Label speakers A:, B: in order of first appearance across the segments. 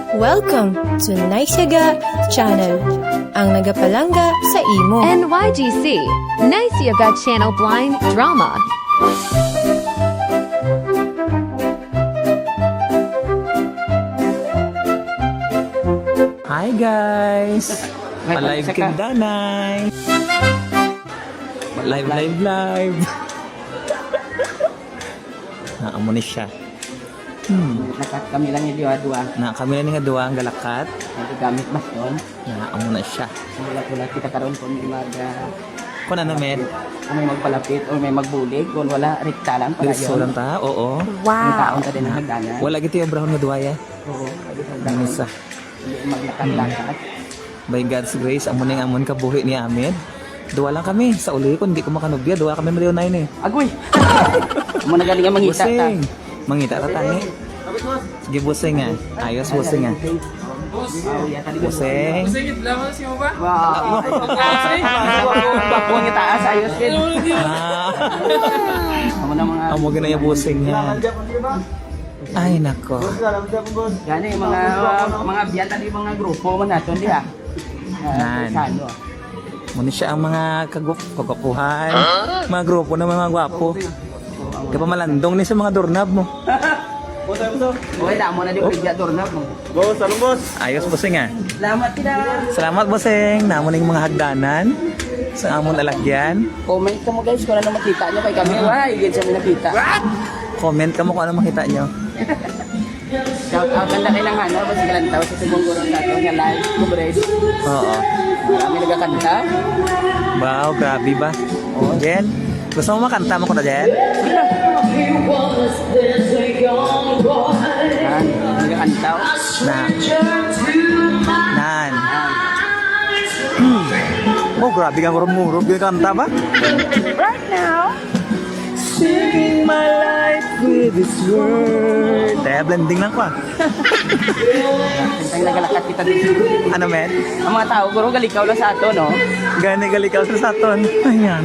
A: Welcome to Naisyaga Channel, ang nagapalanga sa imo.
B: NYGC, Nice Yoga Channel Blind Drama.
C: Hi guys! Alive Kindanay! Live! Naamo ni siya.
D: Nakat kami lang yung dua-dua.
C: Na kami na nga duwa ang galakat.
D: Nagagamit mas doon.
C: Naamo na siya.
D: Wala kita karoon kung may
C: Kung ano med?
D: kung may magpalapit o may magbulig. Kung wala, rikta lang pala
C: Gusto
D: yun.
C: lang ta? Oo.
D: Yung taon ka din ang hagdanan.
C: Wala gito yung brown nga duwa ya.
D: Oo. Pwede sa
C: Ano
D: hagdanan.
C: sa?
D: Hindi maglakad-lakad.
C: By God's grace, amon ang amon kabuhi ni Ahmed. Duwa lang kami. Sa uli ko, hindi ko makanubya. Duwa kami Mario 9 eh.
D: Agoy! Mo na galing ang mangita ta.
C: Busing! Mangita ka tangi. Sige busing nga. Ayos busing nga. Busing.
D: Wow! Bapo ang itaas. Ayos din.
C: Ah.
D: Amo na mga...
C: Amo gina yung busing niya. Ay nako.
D: Gani mga biyan tadi mga grupo man naton diha.
C: Nan.
D: Sa ano?
C: Muna siya ang mga kagwapuhan. Mga grupo ng mga gwapo. Kaya pa malandong ni sa mga doorknob mo.
D: Oy, damo na di pigya dornab mo.
C: Ayos busing nga.
D: Salamat kita.
C: Salamat busing. Namo ning mga hagdanan. Sa amon alagyan.
D: Comment ka mo guys kung ano makita nyo kay kami. Why? Higit sa nakita.
C: Comment ka mo kung ano makita nyo.
D: Shout out ganda kay lang hana. Basta galantaw sa subong gurong nato nga live coverage.
C: Oo.
D: Marami nagkakanta.
C: Wow, grabe ba? Jen, gusto mo makanta mo ko na Jen?
D: Nagkakantaw.
C: Na. Nan. Oh, grabe kang murog-murog. Kanta ba?
D: Right now.
C: Singing my life with this word. Kaya blending lang ko ah.
D: Kantang nagalakat kita dito.
C: Ano men?
D: Ang mga tao, guro galikaw lang sa ato, no?
C: Gani galikaw sa saton. Ayan.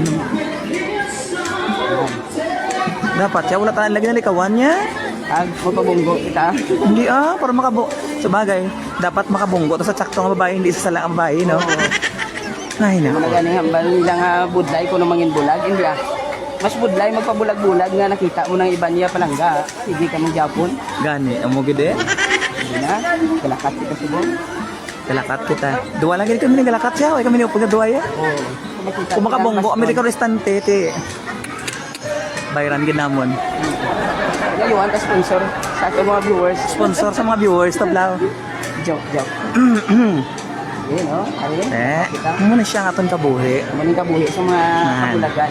C: Dapat siya, wala tayong lagi na likawan niya.
D: Ag, magpabunggo kita.
C: Hindi para makabu. Sabagay, dapat makabunggo. Tapos sa sakto ng babae, hindi isa sala ang babae, no? Ay na.
D: Mga gani hambal nila nga budlay ko na mangin bulag. Hindi ah. Mas budlay magpabulag-bulag nga nakita mo ng iba niya palangga. Sige ka mong Japon.
C: Gani, amo gede.
D: Hindi na. Galakat kita subong.
C: Galakat kita. Dua lagi kami ni galakat siya. Ay kami ni upag dua ya.
D: Oo.
C: Kung makabunggo, kami di ka restante, ti. Bayran ginamon.
D: Ngayon, ka sponsor sa ating mga viewers.
C: Sponsor sa mga viewers, tablaw.
D: Joke. Yun, no? Ayun. Kita.
C: Muna siya nga itong kabuhi.
D: Maning kabuhi sa mga kabulagan.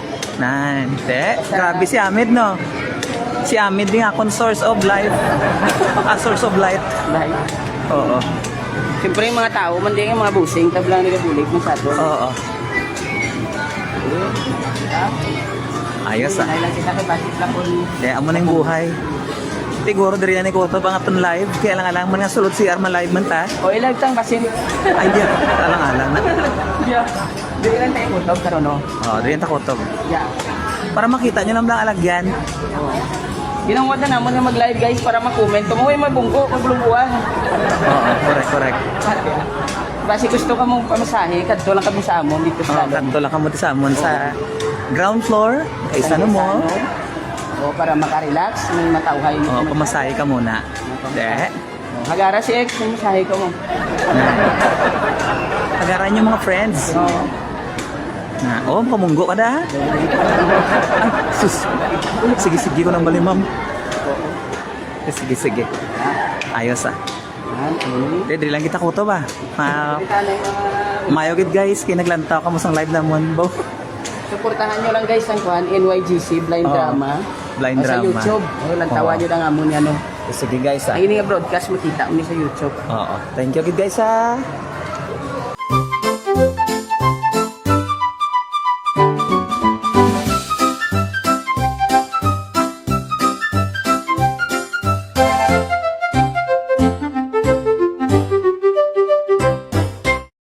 C: Grabe si Ahmed, no? Si Ahmed din akong source of life. Source of light.
D: Dahil,
C: Oo.
D: siyempre yung mga tao, man din yung mga busing, tablang nila bulig mo sa ato.
C: Oo. Ayos ah.
D: Dahil lang kita kay Basit lang kung
C: Kaya amo na yung buhay. Siguro diri na ni Koto pa nga itong live. Kaya lang man nga sulod si Arma live man ta.
D: o ilagtang basin.
C: Ay, di. Alang-alang na.
D: Di lang tayo kutob karon no.
C: Oo, diri ta Koto.
D: Yeah.
C: Para makita nyo lang alagyan.
D: Ginawad na naman nga mag-live guys para ma-comment. Tumuhay mabunggo, magbulungguan.
C: Oo, correct.
D: Basi gusto ka mong pamasahe, kadto lang kami sa amon dito sa
C: Oo, kanto lang kamo sa amon sa ground floor. Kay sa mo.
D: O para makarelax, may matauhay mo.
C: Oo, pamasahe ka muna. De.
D: Hagara si X, may masahe ko mo.
C: Agaran yung mga friends.
D: Oo.
C: Pamunggo ka da. Ay, sus. Sige ko nang bali, ma'am. Sige. Ayos ah. Dili lang kita Koto ba? Mayogid guys, kaya naglantaw ka mo sa live namon.
D: Suportahan nyo lang guys ang kuhan, NYGC Blind
C: Oo.
D: Drama.
C: Blind
D: Sa
C: Drama.
D: YouTube. Lantawan nyo lang amon yan.
C: Sige guys ah.
D: Ang ini nga broadcast makita mo ni sa YouTube.
C: Oo. Thank you guys ah.